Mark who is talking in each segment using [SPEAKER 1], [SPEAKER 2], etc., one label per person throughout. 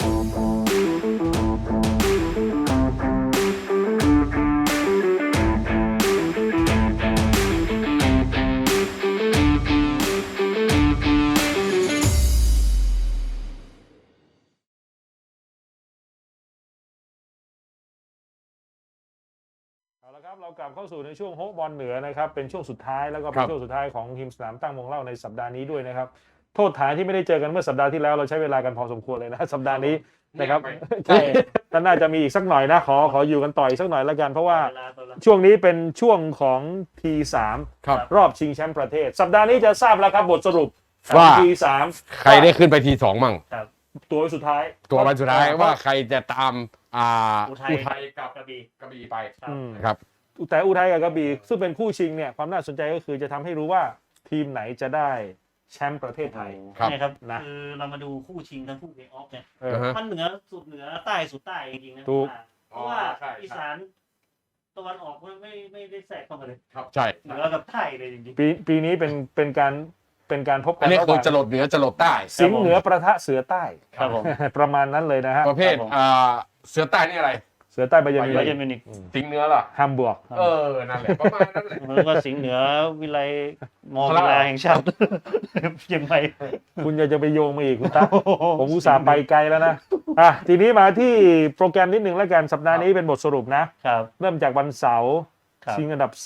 [SPEAKER 1] เอาละครับเรากลับเข้าสู่ในช่วงโฮบอลเหนือนะครับเป็นช่วงสุดท้ายแล้วก็เป็นช่วงสุดท้ายของทีมสนามตั้งวงเล่าในสัปดาห์นี้ด้วยนะครับโทษฐานที่ไม่ได้เจอกันเมื่อสัปดาห์ที่แล้วเราใช้เวลากันพอสมควรเลยนะสัปดาห์นี้นะครับใช่ก็น่าจะมีอีกสักหน่อยนะขออยู่กันต่ออีกสักหน่อยแล้วกันเพราะว่าช่วงนี้เป็นช่วงของ T3 รอบชิงแชมป์ประเทศสัปดาห์นี้จะทราบแล้วครับบทสรุป
[SPEAKER 2] ว่า
[SPEAKER 1] T3
[SPEAKER 2] ใครได้ขึ้นไปที 2มั่ง
[SPEAKER 1] ตัวสุดท้าย
[SPEAKER 2] วันสุดท้ายว่าใครจะตาม
[SPEAKER 3] อุทัยกับกระบี่ไป
[SPEAKER 2] ครับ
[SPEAKER 1] แต่อุทัยกับกระบี่ซึ่งเป็นคู่ชิงเนี่ยความน่าสนใจก็คือจะทำให้รู้ว่าทีมไหนจะได้แชมป์ประเทศไทย
[SPEAKER 3] นี่ครับคือเรามาดูคู่ชิงทั้งคู่เพลย์ออฟเนี่ยมันเหนือสุดเหนือใต้สุดใต้จริงๆนะเพราะว่าอีสานตะวันออกไม่ได้แทรกเข้ามาเลย
[SPEAKER 2] ครับใช่
[SPEAKER 3] เหนือกับใต้เลยจริง
[SPEAKER 1] ๆปีนี้เป็นการพบกั
[SPEAKER 2] นอันนี้คือจรดเหนือจรดใต้
[SPEAKER 1] สิงห์เหนือประทะเสือใต้
[SPEAKER 3] ครับผม
[SPEAKER 1] ประมาณนั้นเลยนะฮะ
[SPEAKER 2] ประเภทเสือใต้นี่อะไร
[SPEAKER 1] เสือใต้ไบเยอร์มิวนิก
[SPEAKER 2] สิงห์เหนือล่ะ
[SPEAKER 1] ฮัมบวร์ก
[SPEAKER 2] นั่นแหละประมาณนั้นแหละ
[SPEAKER 3] แล้วก็สิงห์เหนือวิไลมอวิไลแห่งชาติยังไง
[SPEAKER 1] คุณจะไปโยงมาอีกคุณตาผมอุตส่าห์ไปไกลแล้วนะทีนี้มาที่โปรแกรมนิดนึงแล้วกันสัปดาห์นี้เป็นบทสรุปนะเริ่มจากวันเสาร์ชิงอันดับ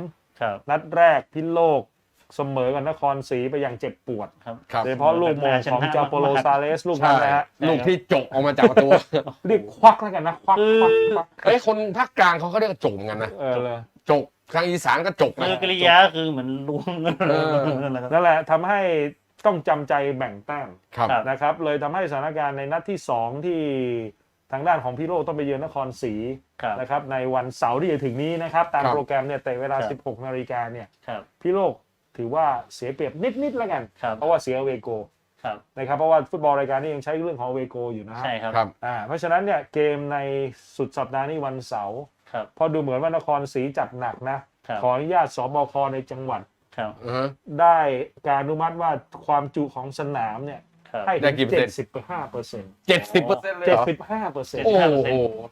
[SPEAKER 1] 3นัดแรกพิโลกเสมอกับนครศรีไปอย่างเจ็บปวดโดยเฉพาะลูกโมงของจาโปโลซาเลสลูกนั้นนะฮะ
[SPEAKER 2] ลูกที่จกออกมาจากประตู
[SPEAKER 1] เรียกควักแล้วกันนะควัก
[SPEAKER 2] คนภาคกลางเขาเรียกจกกันนะจกทางอีสานก็จก
[SPEAKER 3] คือกริยาคือเหมือนล้วง
[SPEAKER 1] นั่นแหละทำให้ต้องจำใจแบ่งแต้มนะครับเลยทำให้สถานการณ์ในนัดที่2ที่ทางด้านของพี่โลกต้องไปเยือนนครศรีนะครับในวันเสาร์ที่จะถึงนี้นะครับตามโปรแกรมเนี่ยแต่เวลา 16 นาฬิกาเนี่ยพี่โลกถือว่าเสียเปรียบนิดแล้วกันเพราะว่าเสียเวโกนะครับเพราะว่าฟุตบอลรายการนี้ยังใช้เรื่องของเวโกอยู่นะ
[SPEAKER 3] ใช่ครับ
[SPEAKER 1] เพราะฉะนั้นเนี่ยเกมในสุดสัปดาห์นี้วันเสาร์พอดูเหมือนว่านครศรีจัดหนักนะขออนุญาตสบคในจังหวัดได้การอนุมัติว่าความจุของสนามเนี่ยให้ถึง 75% 75%
[SPEAKER 2] โอ้โห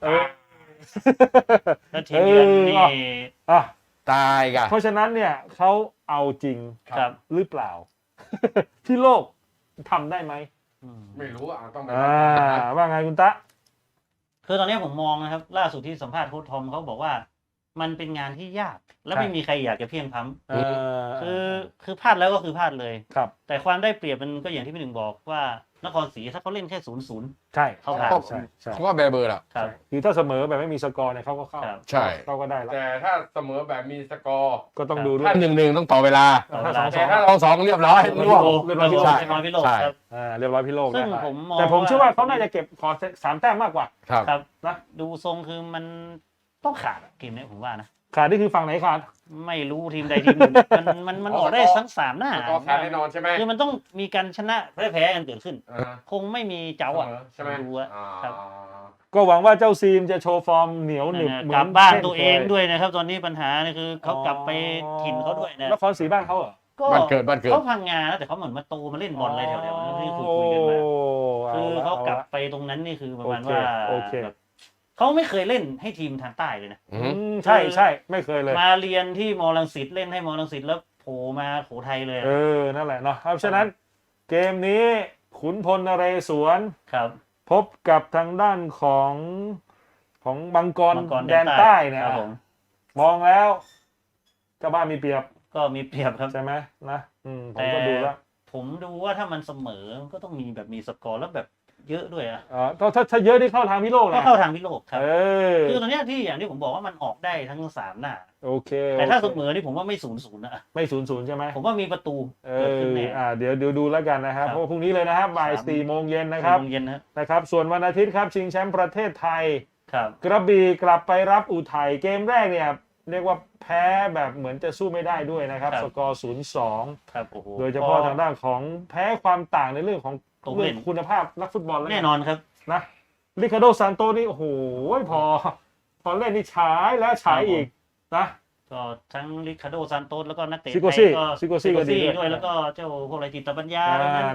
[SPEAKER 3] แล้วทีมเยือนนี่
[SPEAKER 2] ตายกัน
[SPEAKER 1] เพราะฉะนั้นเนี่ยเขาเอาจริงหรือเปล่าที่โลกทำได้ไหม
[SPEAKER 2] ไม่รู้ต้องไป
[SPEAKER 1] ว่าไงคุณตะ
[SPEAKER 3] คือตอนนี้ผมมองนะครับล่าสุดที่สัมภาษณ์โค้ชทอมเขาบอกว่ามันเป็นงานที่ยากและไม่มีใครอยากจะเพียงพล้ำคือพลาดแล้วก็คือพลาดเลยแต่ความได้เปรียบมันก็อย่างที่พี่หนึ่งบอกว่านครศรีถ้าเขาเล่นแค่0-0
[SPEAKER 1] ใช่
[SPEAKER 3] เขาผ่าน
[SPEAKER 2] เขาว่าเบอร์ละ
[SPEAKER 1] คือถ้าเสมอแบบไม่มีสกอร์เนี่ยเขาก็เข้า
[SPEAKER 2] ใช่
[SPEAKER 1] เขาก็ได้แล้ว
[SPEAKER 2] แต่ถ้าเสมอแบบมีสกอร์
[SPEAKER 1] ก็ต้องดูด้วย
[SPEAKER 2] ถ้า1-1ต้องต่อเวลาแต่ถ้า2-2เรียบร้อย
[SPEAKER 3] เรียบร้อยพี่โลก
[SPEAKER 1] เรียบร้อยพี่โลก
[SPEAKER 3] ซึ่งผมมอง
[SPEAKER 1] แต่ผมเชื่อว่าเขาน่าจะเก็บขอ3 แต้มมากกว่า
[SPEAKER 3] ครับนะดูทรงคือมันต้องขาดเกมนี้ผมว่านะ
[SPEAKER 1] ขาดนี่คือฝั่งไหนขาด
[SPEAKER 3] ไม่รู้ทีมใดทีมหนึ่งมันออกได้ทั้ง3หน้า
[SPEAKER 2] ขาดแน่นอนใช่ไหม
[SPEAKER 3] คือมันต้องมีการชนะแพ้กันเกิดขึ้นคงไม่มีเจ้า
[SPEAKER 2] ใช่ไหม
[SPEAKER 3] ดูครับ
[SPEAKER 1] ก็หวังว่าเจ้าซีมจะโชว์ฟอร์มเหนียวหนึบ
[SPEAKER 3] กลับบ้านตัวเองด้วยนะครับตอนนี้ปัญหานี่คือเขากลับไปถิ่นเขาด้วยนะ
[SPEAKER 1] นครศรีบ้านเขาเหรอ
[SPEAKER 2] บ้านเกิด
[SPEAKER 3] เขาพังงาแต่เขาเหมือนมาโตมาเล่นบอลอะไรแถวๆที่คุยกันมาคือเขากลับไปตรงนั้นนี่คือประมาณว่าเขาไม่เคยเล่นให้ทีมทางใต้เลยนะ
[SPEAKER 1] ใช่ไม่เคยเลย
[SPEAKER 3] มาเรียนที่มอรังสิตเล่นให้มอรังสิตแล้วโผล่มาโขทัยเลย
[SPEAKER 1] นั่นแหละเนาะเพราะฉะนั้นเกมนี้ขุนพลนเรศวรพบกับทางด้านของบังกรแดนใต้เนี่ยมองแล้วเจ้าบ้านมีเปรียบ
[SPEAKER 3] ก็มีเปรียบครับ
[SPEAKER 1] ใช่ไหมนะผมก็ดูแล้ว
[SPEAKER 3] ผมดูว่าถ้ามันเสมอก็ต้องมีแบบมีสกอร์แล้วแบบเยอะด้วย
[SPEAKER 1] ถ้าเยอะที่เข้าทางพี่โลกนะ
[SPEAKER 3] ก็เข้าทางพี่โลกครับคือตอนนี้ที่อย่างที่ผมบอกว่ามันออกได้ทั้ง3หน้า
[SPEAKER 1] โอเค
[SPEAKER 3] แต่ถ้าเสมอนี่ผมว่าไม่0-0นะ
[SPEAKER 1] ไม่0-0ใช่ไหม
[SPEAKER 3] ผมว่ามีประตูเกิดขึ้นแน่
[SPEAKER 1] เดี๋ยวดูแล้วกันนะครับเพราะพรุ่งนี้เลยนะครับบ่าย 4 โมงเย็นนะครับส่วนวันอาทิตย์ครับชิงแชมป์ประเทศไทยกระบี่กลับไปรับอุทัยเกมแรกเนี่ยเรียกว่าแพ้แบบเหมือนจะสู้ไม่ได้ด้วยนะครับสกอร์ 0-2 โดยเฉพาะทางด้านของแพ้ความต่างในเรื่องของคุณภาพนักฟุตบอล
[SPEAKER 3] แน่นอนครับ
[SPEAKER 1] นะริคาร์โดซานโตนี่โอ้โหพอเล่นนี่ฉายแล้วฉายอีกนะ
[SPEAKER 3] ก็ทั้งริคาร์โดซานโตแล้วก็นักเตะ
[SPEAKER 1] ซิโกซี่
[SPEAKER 3] ด้วยแล้วก็เจ้าพวกอะไรจิตปัญญา
[SPEAKER 1] นะ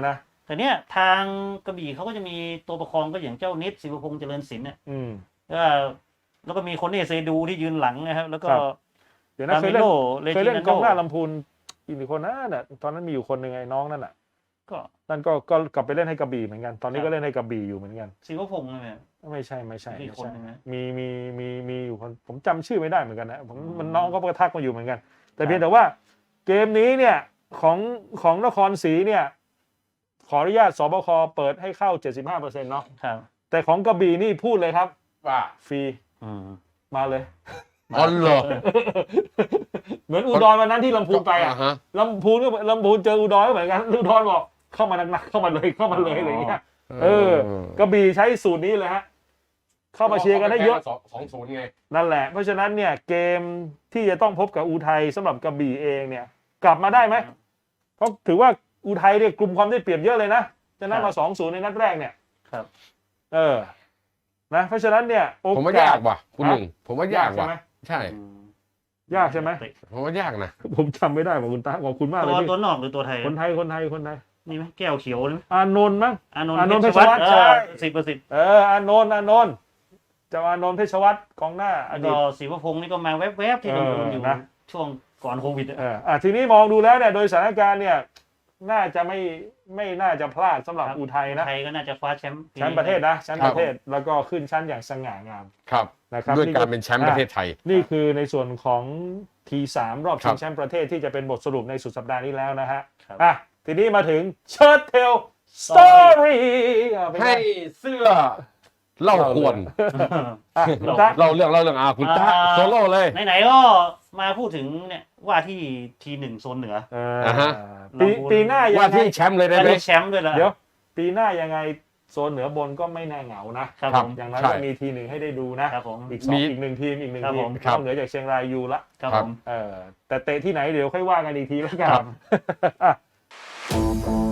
[SPEAKER 3] แต่เนี้ยทางกระบี่เขาก็จะมีตัวประคองก็อย่างเจ้านิดศิวพงษ์เจริญศิลป์เนี่ย ก็แล้วก็มีคนนี่เซดูที่ยืนหลังนะครับแล้วก็
[SPEAKER 1] เดี๋ยวนะเคยเล่นกองหน้าลำพูนอีกคนน่ะตอนนั้นมีอยู่คนหนึ่งไอ้น้องนั่นน่ะ
[SPEAKER 3] ก็
[SPEAKER 1] นั่นก็กลับไปเล่นให้กระบี่เหมือนกันตอนนี้ก็เล่นให้กระบี่อยู่เหมือนกัน
[SPEAKER 3] ศิวพงษ์ใช่ไหม
[SPEAKER 1] ไม่ใช่
[SPEAKER 3] มีคนหนึ่งนะ
[SPEAKER 1] มีอยู่คนผมจำชื่อไม่ได้เหมือนกันนะมันน้องก็ทักมาอยู่เหมือนกัน แต่เพียงแต่ว่าเกมนี้เนี่ยของนครศรีเนี่ยขออนุญาตสบคเปิดให้เข้า 75%เนาะ
[SPEAKER 3] ครับ
[SPEAKER 1] แต่ของกระบี่นี่พูดเลยครับ
[SPEAKER 2] ว่า
[SPEAKER 1] ฟรี
[SPEAKER 3] อืม
[SPEAKER 1] มาเลย
[SPEAKER 2] อ๋อเหรอ
[SPEAKER 1] เหมือนอุดรวันนั้นที่ลำพูนไปอ่ะ
[SPEAKER 2] ฮะ
[SPEAKER 1] ลำพูนเจออุดรก็เหมือนกันอุดรบอกเข้ามาหนักๆเข้ามาเลยอะไรอย่างเงี้ยกระบี่ใช้สูตรนี้เลยฮะเข้ามาเชียร์กันให้เยอะ
[SPEAKER 2] 2-0ไง
[SPEAKER 1] นั่นแหละเพราะฉะนั้นเนี่ยเกมที่จะต้องพบกับอุทัยสำหรับกระบี่เองเนี่ยกลับมาได้ไหมเพราะถือว่าอุทัยเนี่ยกลุ่มความได้เปรียบเยอะเลยนะจะนั่มา 2-0 ในนัดแรกเนี่ย
[SPEAKER 3] ครับ
[SPEAKER 1] นะเพราะฉะนั้นเนี่ยโอกาส
[SPEAKER 2] ผมว่ายากว่ะคุณหนึ่งผมว่ายากว่ะ
[SPEAKER 1] ใช่ไหม
[SPEAKER 2] ใช่
[SPEAKER 1] ยากใช่ไหม
[SPEAKER 2] ผมว่ายากนะ
[SPEAKER 1] ผมจำไม่ได้ของคุณตาขอบคุณมากเลย
[SPEAKER 3] ตัวนอกหรือตัวไทย
[SPEAKER 1] คนไทย
[SPEAKER 3] นี่ไหมแก้วเขียวนี่ไหม
[SPEAKER 1] อานนท์มั้ง
[SPEAKER 3] อานน
[SPEAKER 1] อานนท์
[SPEAKER 3] ท์เพชรวัฒน์
[SPEAKER 1] เพชรวัฒน์ใช่
[SPEAKER 3] 10%
[SPEAKER 1] อานนท์เจ้าอานนท์เพชรวัฒน์กองหน้าอ
[SPEAKER 3] แล้ว
[SPEAKER 1] ดี
[SPEAKER 3] ก็
[SPEAKER 1] ต
[SPEAKER 3] ศิวพงษ์นี่ก็มาแวบๆที่เราดูอยู่
[SPEAKER 1] นะ
[SPEAKER 3] ช่วงก่อนโควิด
[SPEAKER 1] ทีนี้มองดูแล้วเนี่ยโดยสถานการณ์เนี่ยน่าจะไม่น่าจะพลาดสำหรับอุทัยนะ
[SPEAKER 3] ไทยก็น่าจะคว้าแชมป์
[SPEAKER 1] แชมป์ประเทศนะแชมป์ประเทศแล้วก็ขึ้นชั้นอย่างสง่างาม
[SPEAKER 2] ครับ
[SPEAKER 1] นะครับ
[SPEAKER 2] ด้วยการเป็นแชมป์ประเทศไทย
[SPEAKER 1] นี่คือในส่วนของ T3 รอบชิ
[SPEAKER 2] ครั
[SPEAKER 1] ง
[SPEAKER 2] บ
[SPEAKER 1] แชมป์ประเทศที่จะเป็นบทสรุปในสุดสัปดาห์นี้แล้วนะฮะ
[SPEAKER 3] ครับ
[SPEAKER 1] ทีนี้มาถึงเชิร์ตเทลสตอรี่เป็น
[SPEAKER 2] ให้
[SPEAKER 1] ไง
[SPEAKER 2] เสื้อเล่าควร
[SPEAKER 1] คุณตา
[SPEAKER 2] เล่าเรื่องคุณตาโซโล่เลย
[SPEAKER 3] ไหนๆก็มาพูดถึงเนี่ยว่าที่ทีหนึ่งโซนเหนือ
[SPEAKER 2] ฮะ
[SPEAKER 1] ปีหน้ายั
[SPEAKER 2] ว่าง
[SPEAKER 1] ไง
[SPEAKER 2] ที่แชมป์เลยได้
[SPEAKER 3] ได้
[SPEAKER 2] ไหม
[SPEAKER 3] แชมป์ด้วยละ
[SPEAKER 1] เดี๋ยวปีหน้ายังไงโซนเหนือบนก็ไม่แน่เหงานะครับ
[SPEAKER 3] ผม
[SPEAKER 1] อย่างนั้น
[SPEAKER 2] ใช่
[SPEAKER 1] ก็มีทีหนึ่งให้ได้ดูนะครับ
[SPEAKER 3] ผม
[SPEAKER 1] อีก
[SPEAKER 2] มี
[SPEAKER 1] อีกหนึ่งทีม
[SPEAKER 3] ครับ
[SPEAKER 1] ที
[SPEAKER 3] ผม ม
[SPEAKER 2] ครับ
[SPEAKER 1] นอกเหนือจากเชียงรายยูละ
[SPEAKER 3] ครับ
[SPEAKER 2] ครั
[SPEAKER 3] ผ
[SPEAKER 2] บ
[SPEAKER 3] ม
[SPEAKER 1] แต่เตะที่ไหนเดี๋ยวค่อยว่ากันอีกทีแล้วกั
[SPEAKER 2] ครั
[SPEAKER 1] น
[SPEAKER 2] บ